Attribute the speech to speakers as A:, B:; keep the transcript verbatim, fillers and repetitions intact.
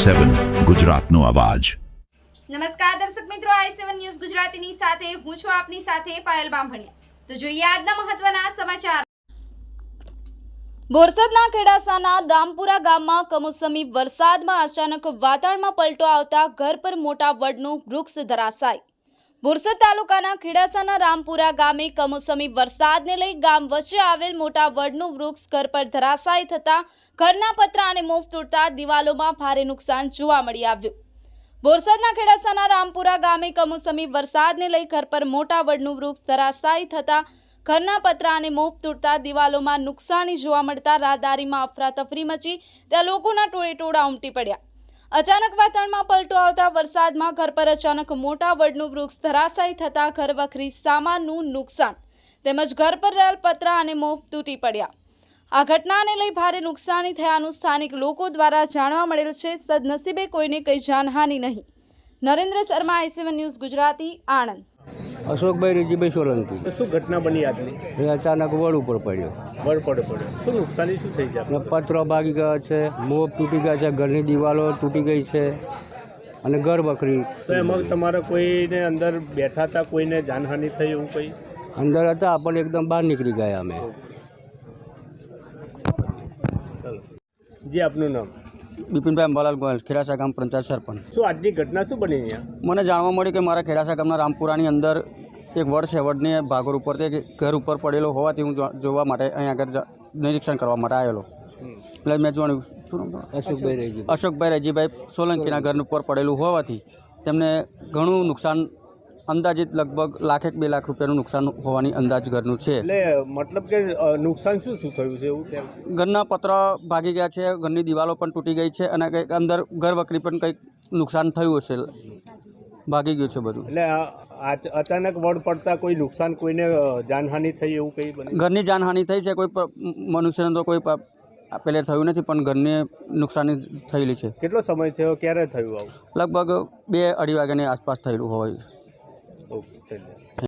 A: સેવન ગુજરાતનો અવાજ।
B: નમસ્કાર દર્શક મિત્રો, આઈ સેવન ન્યૂઝ ગુજરાતીની સાથે હું છું આપની સાથે પાયલ બામભણિયા। તો જોઈએ આજના મહત્વના સમાચાર। બોરસદના ખેડાસાના રામપુરા ગામમાં કમોસમી વરસાદમાં અચાનક વાતાવરણમાં પલટો આવતા ઘર પર મોટા વડનું વૃક્ષ ધરાશાય। બોરસદ તાલુકાના ખેડાસાના રામપુરા ગામે કમોસમી વરસાદને લઈ ગામ વચ્ચે આવેલ મોટા વડનું વૃક્ષ ઘર પર ધરાશાયી થતા ઘરના પતરા અને મોફ તૂટતા દિવાલોમાં ભારે નુકસાન જોવા મળી આવ્યું। બોરસદના ખેડાસાના રામપુરા ગામે કમોસમી વરસાદને લઈ ઘર પર મોટા વડનું વૃક્ષ ધરાશાયી થતા ઘરના પતરા અને મોફ તૂટતા દિવાલોમાં નુકસાની જોવા મળતા રાહદારીમાં અફરાતફરી મચી ત્યાં લોકોના ટોળે ટોળા ઉમટી પડ્યા। અચાનક વાતાવરણમાં પલટો આવતા વરસાદમાં ઘર પર અચાનક મોટા વડનું વૃક્ષ ધરાશાયી થતા ઘર વખરી સામાનનું નુકસાન તેમજ ઘર પર રહેલ પતરા અને મોફ તૂટી પડ્યા। આ ઘટનાને લઈ ભારે નુકસાની થયાનું સ્થાનિક લોકો દ્વારા જાણવા મળેલ છે। સદનસીબે કોઈને કઈ જાનહાનિ નહીં। Narendra Sharma, I seven news Gujarati, Anand.
C: Ashokbhai Rijibhai Solanki.
D: શું ઘટના બની આજની?
C: એ અચાનક વડ ઉપર પડ્યો,
D: વડ પડે પડે શું નુકસાની શું થઈ છે?
C: ને પતરો ભાગી ગયા છે, મોપ તૂટી ગયા છે, ઘરની દિવાલો તૂટી ગઈ છે અને ઘર બકરી।
D: તો એમાં તમારે કોઈને અંદર બેઠા હતા, કોઈને જાનહાનિ થઈ એવું કંઈ?
C: અંદર હતા પણ એકદમ બહાર નીકળી ગયા અમે।
D: ચાલો, જી આપનું નામ?
E: બિપિનભાઈ અંબાલાલ ગોયલ, ખેરાસા ગામ પંચાયત સરપંચ।
D: શું આજની ઘટના શું બની અહીંયા?
E: મને જાણવા મળ્યું કે મારા ખેરાસા ગામના રામપુરાની અંદર એક વડ છે, વડની ભાગોળ ઉપર તે ઘર ઉપર પડેલો હોવાથી હું જો- જોવા માટે અહીંયા આગળ જ- નિરીક્ષણ કરવા માટે આવેલો। એટલે મેં જોયું શું નામ તમારું?
C: અશોકભાઈ રીજી
E: અશોકભાઈ રજીભાઈ સોલંકીના ઘર ઉપર પડેલું હોવાથી તેમને ઘણું નુકસાન, અંદાજિત લગભગ લાખેક બે લાખ રૂપિયાનું નુકસાન હોવાની અંદાજ ઘરનું છે।
D: એટલે મતલબ કે અ, નુકસાન શું શું થયું છે એવું કેમ?
E: ઘરના પતરા ભાગી ગયા છે, ઘરની દિવાલો પણ તૂટી ગઈ છે અને કંઈક અંદર ઘર વકરી પણ કંઈક નુકસાન થયું હશે, ભાગી ગયું છે બધું।
D: એટલે આ- આ અચાનક વડ પડતા કોઈ નુકસાન, કોઈને અ, જાનહાનિ થઈ એવું કંઈ બને?
E: ઘરની જાનહાનિ થઈ છે, કોઈ પ- મનુષ્યને તો કોઈ પ- પેલે થયું નથી, પણ ઘરની નુકસાની થયેલી છે।
D: કેટલો સમય થયો, ક્યારે થયું આવું?
E: લગભગ બે અઢી વાગ્યાની આસપાસ થયેલું હોય।
D: ઓકે, ધન્યવાદ।